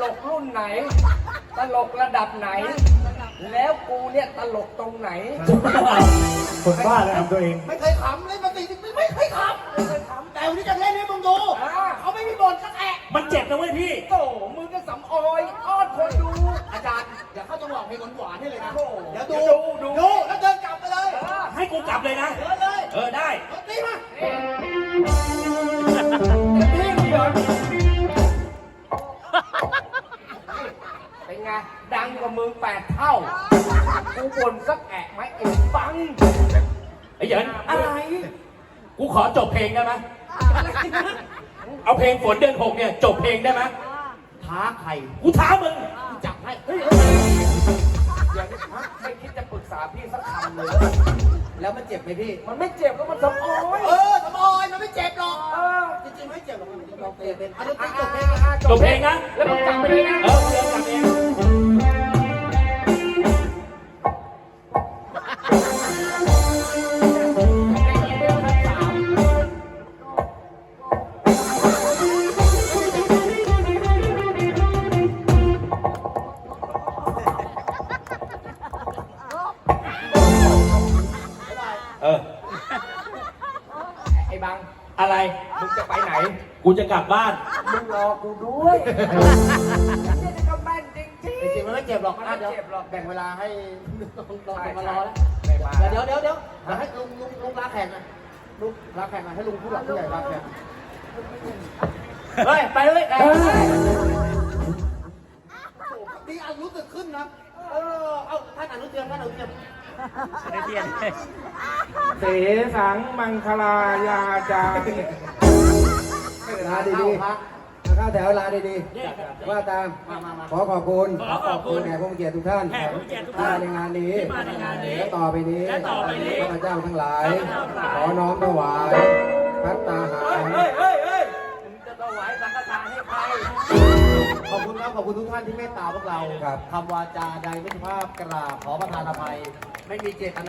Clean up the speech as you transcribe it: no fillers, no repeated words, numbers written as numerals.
ลกรุ่นไหน ตลกระดับไหน แล้วกูเนี่ยตลกตรงไหนคนบ้าเลยทำตัวเองไม่เคยขำเล่นมาตีไม่เคยขำแต่วันนี้จะเล่นให้มึงดูเขาไม่มีบทสักแอะมันเจ็บนะเว้ยพี่โอ้มึงก็สำออยอ้อนคนดูอาจารย์เดี๋ยวเขาจะบอกเพลงหวานๆให้เลยนะโอ้เดี๋ยวดูดูแล้วเดินกลับไปเลยให้กูกลับเลยนะเดินเลยได้ตีมาพี่เดี๋ยวเป็นไงดังกว่ามึง8 เท่ากูบ่นสักแอะไหมไอ้ฟังไอ้เหยินอะไรกูขอจบเพลงได้ไหมเอาเพลงฝนเดือน6เนี่ยจบเพลงได้ไหมท้าใครกูท้ามึงจับให้อย่างนี้ไม่คิดจะปรึกษาพี่สักคำเลยแล้วมันเจ็บไหมพี่มันไม่เจ็บก็มันสำออยสมอยมันไม่เจ็บหรอก จริงๆไม่เจ็บหรอกมันเราเตะเป็นอันนี้จบเพลงจบเพลงนะแล้วมึงกลับไปเลยนะเดี๋ยวกลับเอง เออไอ้บังอะไรมึงจะไปไหนกูจะกลับบ้านมึงรอกูด้วยนี่ก็แม่นจริงจริงๆมันไม่เจ็บหรอกมันไม่เจ็บหรอกแบ่งเวลาให้น้องๆมารอแล้วไม่มาเดี๋ยวให้ลุงลาแขกหน่อยลุงลาแขกหน่อยให้ลุงผู้หลักผู้ใหญ่ลาแขกเฮ้ยไปเลยดีอายุจะขึ้นนะเอาท่านอนุเทียนท่านอนุเทียนเสสังมังคลายาจาลาดีๆเข้าแถวลาดีๆว่าตามมาขอขอบคุณขอขอบคุณแขกผู้มีเกียรติทุกท่านแขกผู้มีเกียรติทุกที่ท่านมาในงานนี้ที่มาในงานนี้และต่อไปนี้และต่อไปนี้ข้าพเจ้าทั้งหลายข้าพเจ้าทั้งหลายขอน้อมถวายพัตตาหารมึงจะถวายสังฆทานให้ใครขอบคุณครับขอบคุณทุกท่านที่เมตตาพวกเราครับคำวาจาใดไม่สุภาพกราบขอประทานอภัย ไม่มีเจตนา